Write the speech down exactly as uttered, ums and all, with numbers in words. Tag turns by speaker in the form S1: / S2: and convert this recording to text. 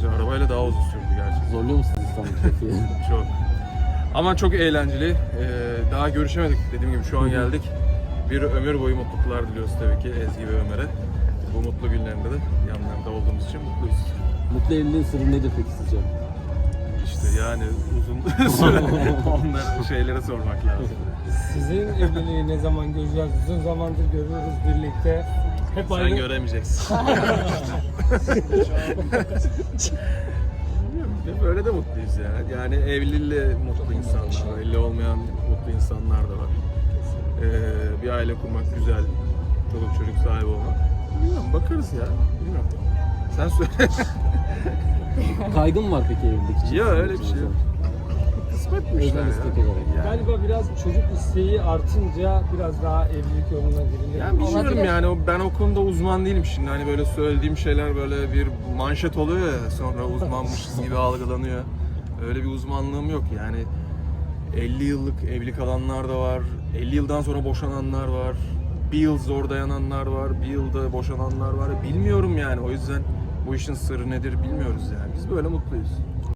S1: Bence arabayla daha uzun sürdü gerçekten.
S2: Zorluyor musunuz İstanbul trafiği?
S1: Çok. Ama çok eğlenceli. Ee, daha görüşemedik dediğim gibi şu an geldik. Bir ömür boyu mutluluklar diliyoruz tabii ki Ezgi ve Ömer'e. Bu mutlu günlerinde de yanlarında olduğumuz için mutluyuz.
S2: Mutlu evliliğin sırrı nedir peki sizce?
S1: İşte yani uzun süre onları şeylere sormak lazım.
S3: Sizin evliliği ne zaman göreceğiz? Uzun zamandır görüyoruz birlikte. Hep
S1: Sen
S3: aynı.
S1: göremeyeceksin. Bilmiyorum, böyle de mutluyuz ya. Yani evliliğiyle mutlu insanlar var, evli olmayan mutlu insanlar da var. Ee, bir aile kurmak güzel, çoluk çocuk sahibi olmak. Bilmiyorum, bakarız ya. Bilmiyorum. Sen söyle.
S2: Kaygın var peki evlilik için?
S1: Ya öyle bir şey yok. Kısmetmiş
S2: Özel
S1: ya.
S2: istek olarak.
S1: Yani.
S3: Galiba biraz çocuk isteği artınca biraz daha evlilik yoluna girilir.
S1: Yani bilmiyorum yani o- ben o konuda uzman değilim şimdi hani böyle söylediğim şeyler böyle bir manşet oluyor ya sonra uzmanmışız gibi algılanıyor. Öyle bir uzmanlığım yok yani elli yıllık evli kalanlar da var, elli yıldan sonra boşananlar var, bir yıl zor dayananlar var, bir yılda boşananlar var. Bilmiyorum yani o yüzden bu işin sırrı nedir bilmiyoruz yani biz böyle mutluyuz.